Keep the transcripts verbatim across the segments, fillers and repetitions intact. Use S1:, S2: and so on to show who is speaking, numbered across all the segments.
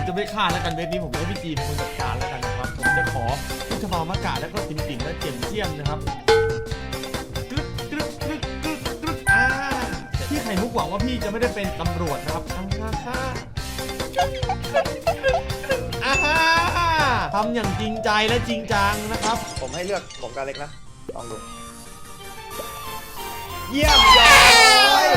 S1: จะไม่ฆ่าแล้วกันเว็บนี้ผมจะให้พี่จีเป็นคนจัดการแล้วกันนะครับผมจะขอพุทธมามากาแล้วก็ติ่มติ่มและเจียมเจียมนะครับกรึ๊กกรึ๊กกรึ๊กกรึ๊กกรึ๊กอ่าพี่ไข่มุกหวังว่าพี่จะไม่ได้เป็นตำรวจนะครับอ่าฮ่าอ่าฮ่าทำอย่างจริงใจและจริงจังนะครับ
S2: ผมให้เลือกผมกับเล็กนะลองดูเยี่ยมยอด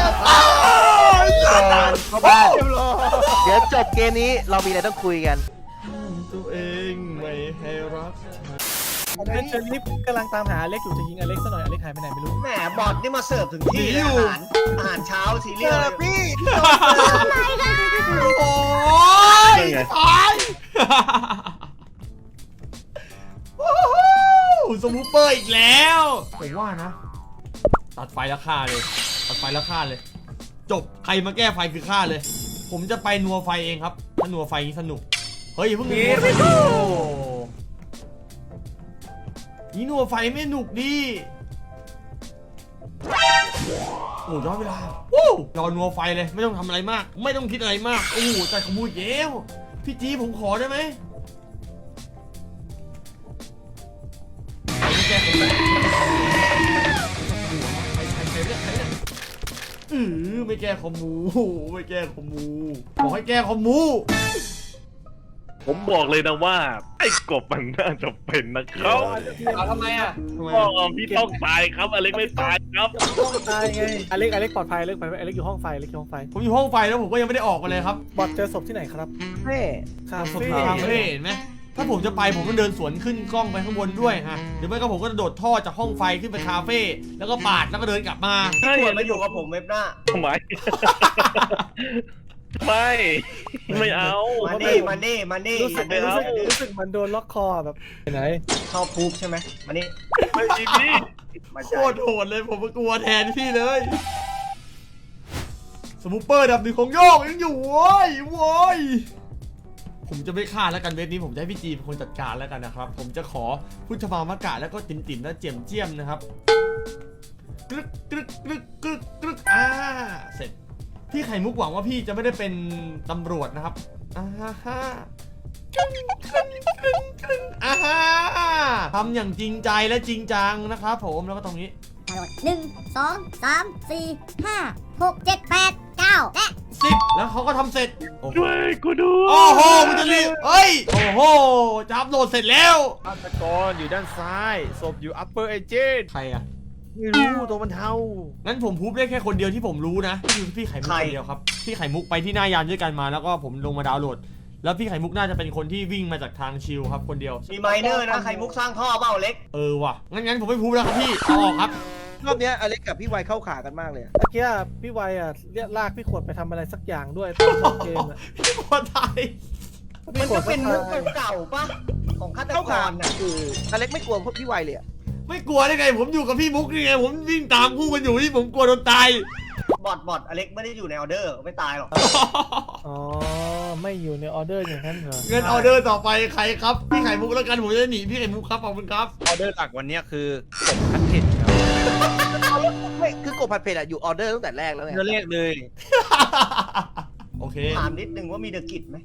S3: เข้าบ้านเดี๋ยวจบเกมนี้เรามีอะไรต้องคุยกัน
S1: ตัวเองไม่ให้รัก
S4: ผมเป็นเชอรี่กำลังตามหาอเล็กอยู่จะยิงอเล็กซะหน่อยอเล็กหายไปไหนไม่รู้
S2: แหมบอดนี่มาเสิร์ฟถึงที่เลยอาหารอาหารเช้าซีเรียลเลยพี่
S1: โอ้ยตายสมูเปอร์อีกแล้วผมว่านะตัดไฟแล้วฆ่าเลยตัดไฟแล้วฆ่าเลยจบใครมาแก้ไฟคือฆ่าเลยผมจะไปนัวไฟเองครับถ้านัวไฟสนุกเฮ้ยเพิ่งนัวไฟนี่นัวไฟไม่หนุกดิโอ้ย้อนเวลาวู้รอนัวไฟเลยไม่ต้องทำอะไรมากไม่ต้องคิดอะไรมากโอ้ใจขมุยเย้วพี่จีผมขอได้ไหมไม่แก้ผมเลยเออไม่แก้คอมมูไม่แก้คอมมูบอกให้แก้คอมมู
S5: ผมบอกเลยนะว่าไอ้กบมันน่าจะเป็นนะครับ
S2: เอาทำไมอ่ะ
S5: พ่อพี่ต้องตายครับอเล็กไม่ตายครับ
S4: ต้องตายไงอเล็กอเล็กปลอดภัยอเล็กไปอเล็กอยู่ห้องไฟอเล็กอยู่ห้องไฟ
S1: ผมอยู่ห้องไฟแล้วผมก็ยังไม่ได้ออกมาเลยครับ
S4: บอดเจอศพที่ไหนครับ
S3: เฟ่
S4: คาเฟ่
S1: คาเฟ่เห็นไหมถ้าผมจะไปผมต้องเดินสวนขึ้นกล้องไปข้างบนด้วยฮะหรือไม่ก็ผมก็โดดท่อจากห้องไฟขึ้นไปคาเฟ่แล้วก็ปาดแล้วก็เดินกลับมา
S2: ควรมาอยู่กับผมเว็บหน้า
S5: ทำไมไม่ไม่เอา
S2: มานี่มานี่มานี่
S4: รู้สึกรู้สึกรู้สึกมันโดนล็อกคอแบบไหน
S2: ชอบพูบใช่ไหมมานี่
S5: ไม่จริงพี่
S1: โคตรโหดเลยผมกลัวแทนพี่เลยสมูเปอร์ดับหนึ่งของโยกยังอยู่โว้ยโว้ยผมจะไม่ฆ่าแล้วกันเว็บนี้ผมจะให้พี่จีเป็นคนจัดการแล้วกันนะครับผมจะขอพุทธมามากาแล้วก็ติ่มติ่มและเจียมเจียมนะครับกรึ๊กกรึ๊กกรึ๊กกรึ๊กกรึ๊กอ่าเสร็จพี่ไข่มุกหวังว่าพี่จะไม่ได้เป็นตำรวจนะครับอ่าฮ่าอ่าฮ่าทำอย่างจริงใจและจริงจังนะครับผมแล้วก็ตรงนี้
S6: หนึ่งสองสามสี่ห้าหกเจ็ดแปดเก้าและ
S1: สิบแล้วเขาก็ทำเสร็จ
S5: ช่วยกูดู
S1: โอ้โหมันจะรีบเอ้ยโอ้โหจะอัพโหลดเสร็จแล้ว
S4: ฆาตกรอยู่ด้านซ้ายศพอยู่ upper agent
S1: ใครอะ
S4: ไม่รู้ตัวมันเทา
S1: งั้นผมพูดได้แค่คนเดียวที่ผมรู้นะคือพี่ไข่มุกคนเดียวครับพี่ไข่มุกไปที่หน้ายานด้วยกันมาแล้วก็ผมลงมาดาวน์โหลดแล้วพี่ไข่มุกน่าจะเป็นคนที่วิ่งมาจากทางชิลครับคนเดียว
S2: มีไมเนอร์นะไข่มุกสร้างท่อเปล่าเล็ก
S1: เออว่ะงั้นงั้นผมไม่พูดแล้วครับพี่เอาออกครับ
S3: รอบนี้อเล็กกับพี่ไวเข้าขากันมากเลย
S4: เมื่อกี้พี่ไวอ่ะเรียกลากพี่ขวดไปทำอะไรสักอย่างด้วยตอนเกมอ่ะ
S1: พี่ขวดตาย
S2: มันก็เป็นมุกเก่าๆปะของฆาตกรน่ะ
S3: คืออเล็กไม่กลัวพวกพี่ไวเลยอ่ะ
S1: ไม่กลัวได้ไงผมอยู่กับพี่มุกนี่ไงผมวิ่งตามคู่กันอยู่ที่ผมกลัวโดนตาย
S2: บอดบอดอเล็กไม่ได้อยู่ในออเดอร์ไม่ตายหรอก
S4: อ๋อไม่อยู่ในออเดอร์อย่างนั้นเหรอ
S1: เงินออเดอร์ต่อไปใครครับพี่ไข่มุกแล้วกันผมจะหนีพี่ไข่มุกครับขอบคุณครับ
S7: ออเดอร์หลักวันนี้คือกบผัดเผ็ดครับ
S3: ไม่คือกบผัดเผ็ดอะอยู่ออเดอร์ตั้งแต่แรกแล้วไง
S7: เรียกเลย
S1: โอเค
S2: ถามนิดนึงว่ามีเดอะกิจไหม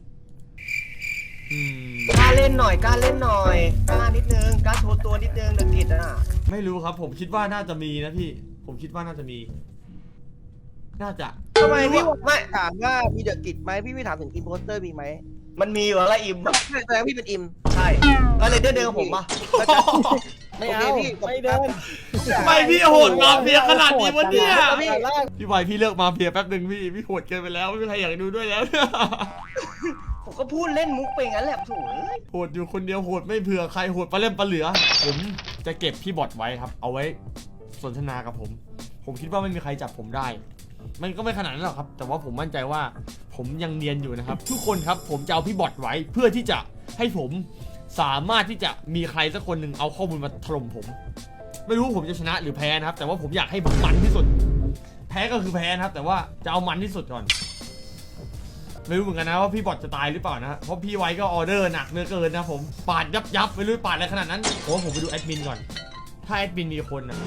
S2: กล้าเล่นหน่อยกล้าเล่นหน่อยกล้านิดนึงกล้าโชว์ตัวนิดนึงเดอะกิจอ่ะ
S1: ไม่รู้ครับผมคิดว่าน่าจะมีนะพี่ผมคิดว่าน่าจะมีน่าจะ
S3: ทำไมพี่ไม่ถามว่ามีเดอะกิจไหมพี่ไม่ถามถึงอิมโพสเตอร์มีไหม
S2: มันมีอยู่แล้วอิม
S3: ใช่แต่พี่เป็นอิม
S2: ใช่ก็เลยเดินเดินกับผมมา
S4: ไม่เอาไม่เดิน
S1: ไม่พี่โหดมาเฟียขนาดนี้วะเนี่ยพี่ไวพี่เลิกมาเฟียแป๊บนึงพี่พี่โหดเกินไปแล้วไม่มีใครอยากดูด้วยแล้ว
S2: ผมก็พูดเล่นมุกไปงั้นแหละโถ่
S1: โหดอยู่คนเดียวโหดไม่เผื่อใครโหดปลาเล่มปลาเหลือผมจะเก็บพี่บอทไว้ครับเอาไว้สนทนากับผมผมคิดว่าไม่มีใครจับผมได้มันก็ไม่ขนาดนั้นหรอกครับแต่ว่าผมมั่นใจว่าผมยังเนียนอยู่นะครับทุกคนครับผมจะเอาพี่บอทไว้เพื่อที่จะให้ผมสามารถที่จะมีใครสักคนหนึ่งเอาข้อมูลมาถล่มผมไม่รู้ผมจะชนะหรือแพ้นะครับแต่ว่าผมอยากให้ผมมันที่สุดแพ้ก็คือแพ้นะครับแต่ว่าจะเอามันที่สุดก่อนไม่รู้เหมือนกันนะว่าพี่บอทจะตายหรือเปล่านะเพราะพี่ไว้ก็ออเดอร์หนักเนื้อเกินนะผมปาดยับยับไม่รู้ปาดอะไรขนาดนั้นผมว่าผมไปดูแอดมินก่อนถ้าแอดมินมีคนนะ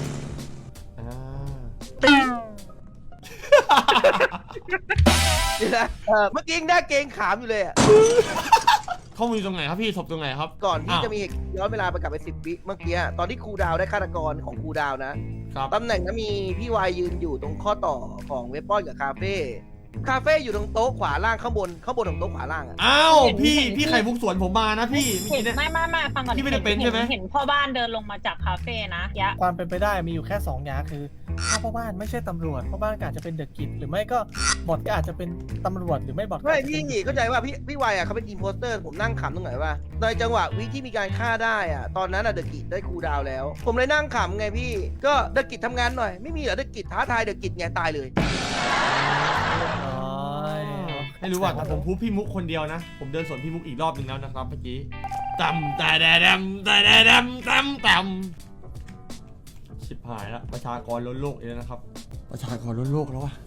S3: เดี๋ยวนะเออเมื่อกี้ยังได้เกรงขามอยู่เลยอะ
S1: ข้อมูลอยู่ตรงไหนครับพี่ศพตรงไหนครับ
S3: ก่อนที่
S1: อ้าว
S3: จะมีเหตุย้อนเวลาไปกลับไปสิบวิเมื่อกี้ตอนที่ครูดาวได้ฆาตกรของครูดาวนะครับ ตำแหน่งนั้นมีพี่วายยืนอยู่ตรงข้อต่อของเวปอนกับคาเฟ่คาเฟ่อยู่ตรงโต๊ะขวาล่างข้างบนข้างบนของโต๊ะขวาล่างอะ
S1: อ้าว
S8: เห็น
S1: พี่
S8: เห็น
S1: พี่ไข่มุกสวนผมมานะพี่เมื่อ
S8: เห็
S1: กี้
S8: น
S1: เนี่ย
S8: ไม่ไม่ไม่ฟังก่อน
S1: พี่ไม่ได้เป็นใช่ไหม
S8: เห็นพ่อบ้านเดินลงมาจากคาเฟ่นะยะ
S4: ความเป็นไปได้มีอยู่แค่สองอย่างคือถ้าพ่อบ้านไม่ใช่ตำรวจพ่อบ้านก็อาจจะเป็นเดอะกิจหรือไม่ก็บอทก็อาจจะเป็นตำรวจหรือไม่บอทก็
S3: ไม่
S4: อาจจะ
S3: พี่
S4: เป็น
S3: เข้าใจว่าพี่พี่วายอะเขาเป็นอินโพสเตอร์ผมนั่งขำตรงไหนว่าในจังหวะวิที่มีการฆ่าได้อะตอนนั้นอะเดอะกิจได้ครูดาวแล้ว ผมเลยนั่งขำไงพี่ก็เดอะกิจทำงานหน่อยไม่มีเหรอเดอะกิจท้าทายเดอะกิจไงตายเลย
S4: น้อย
S1: ไม่รู้ว่าแต่ผมพูดพี่มุกคนเดียวนะ ผมเดินสวนพี่มุกอีกรอบหนึ่งแล้วนะครับเมื่อกี้ตำแต่แดดำแต่แดดำตำตำชิบหายละประชากรล้นโลกเองนะครับ ประชากรล้นโลกแล้ววะ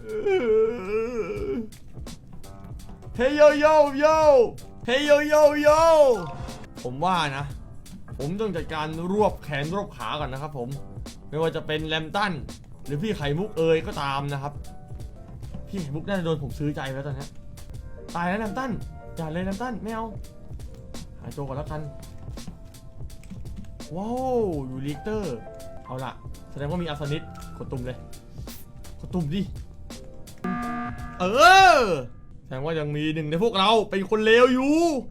S1: เฮ้ยโยโยโยเฮ้ยโยโยโยผมว่านะ ผมต้องจัดการรวบแขนรวบขาก่อนนะครับผมไม่ว่าจะเป็นแรมตันหรือพี่ไข่มุกเอยก็ตามนะครับ พี่ไข่มุกน่าจะโดนผมซื้อใจแล้วตอนนี้ตายแล้วแรมตันอย่าเลยแรมตันไม่เอาหายตัวก่อนแล้วกันว้าวอยู่ลิกเตอร์เอาล่ะแสดงว่ามีอาสนิตกดตุ่มเลยกดตุ่มดิเออแสดงว่ายังมีหนึ่งในพวกเราเป็นคนเลวอยู่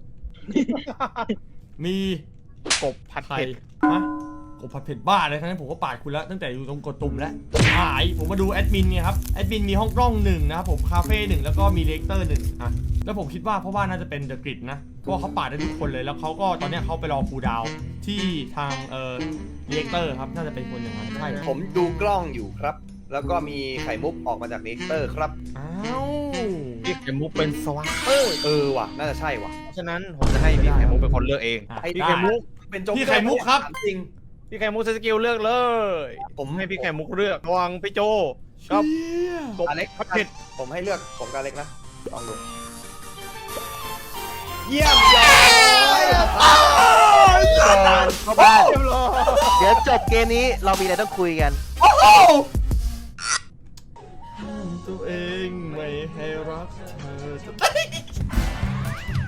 S1: มี
S7: กบผัด
S1: ใคร
S7: เผ็ด
S1: ฮะกดผัดเผ็ดบ้าเลยทั้งนั้นผมก็ปาดคุณแล้วตั้งแต่อยู่ตรงกดตุ่มแล้วหายผมมาดูแอดมินไงครับแอดมินมีห้องกล้องหนึ่งนะครับผมคาเฟ่หนึ่งแล้วก็มีเลกเตอร์หนึ่งอ่ะแล้วผมคิดว่าเพราะว่าน่าจะเป็นเดอะกริดนะเพราะว่าเขาปาดได้ทุกคนเลยแล้วเขาก็ตอนเนี้ยเขาไปรอครูดาวที่ทางเอ่อเลกเตอร์ครับน่าจะเป็นคนอย่างนั้นใช่
S2: ผมดูกล้องอยู่ครับ แล้วก็มีไข่มุกออกมาจากเลกเตอร์ครับ
S1: อ้าว
S7: พี่ไข่มุกเป็นสวะ
S2: เออเออว่ะน่าจะใช่ว่ะ
S7: เพราะฉะนั้นผมจะให้พี่ไข่มุกเป็นคนเลือกเอง
S1: อ่ะ
S2: ไอ้
S7: พี่
S1: ได้
S7: ไข่มุก
S2: เป็นโจ๊กเกอ
S1: พี่ไข่มุกครับ
S2: ถามจริง
S7: พี่ไข่มุกใช้สกิลเลือกเลย ผมให้พี่ไข่มุกเลือกระหวังพี่โจกับ
S1: เชี่ย
S7: กบ
S2: อเล็ก
S7: ผัดเผ็ด
S2: ผมให้เลือกผมกับอเล็กนะลองดูเยี่ยมยอด
S3: เข้าบ้านเดี๋ยวจบเกมนี้เรามีอะไรต้องคุยกัน
S1: โอ้โหห้ามตัวเองไม่ให้รักเธอจะตาย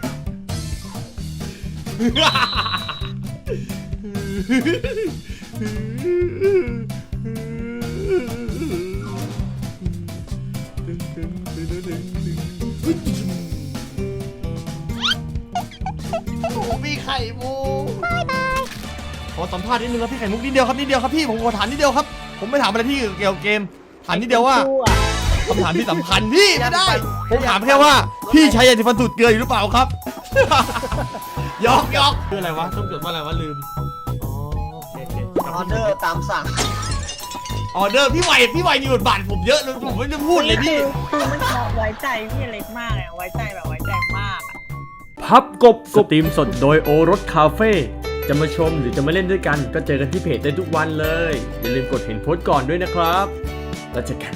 S1: โอ้พี่ไข่มุกขอสัมภาษณ์นิดนึงครับพี่ไข่มุกนิดเดียวครับนิดเดียวครับพี่ผมขอถามนิดเดียวครับผมไม่ถามอะไรพี่เกี่ยวกับเกมถามนิดเดียวว่าคำถามที่สำคัญพี่ไม่ได้ผมถามแค่ว่าพี่ใช้ยาสีฟันสูตรเกลืออยู่หรือเปล่าครับ ยอกยอกคืออะไรวะต้องจดว่าอะไรวะลืมอ๋อโอเคโอเค
S2: ออเดอร์ตามสั่ง
S1: ออเดอร์พี่ไหวพี่ไหวมีบทบาทผมเยอะเลยผมไม่ได้พูดเลยพี่
S8: คือมันไว้ใจพี่เล็กมากเลยอะไว้ใจแบบไว้ใจมากอะ
S9: พับกบสตรีมสดโดยโอรสคาเฟ่จะมาชมหรือจะมาเล่นด้วยกันก็เจอกันที่เพจได้ทุกวันเลย อย่าลืมกดเห็นโพสต์ก่อนด้วยนะครับ แล้วเจอกัน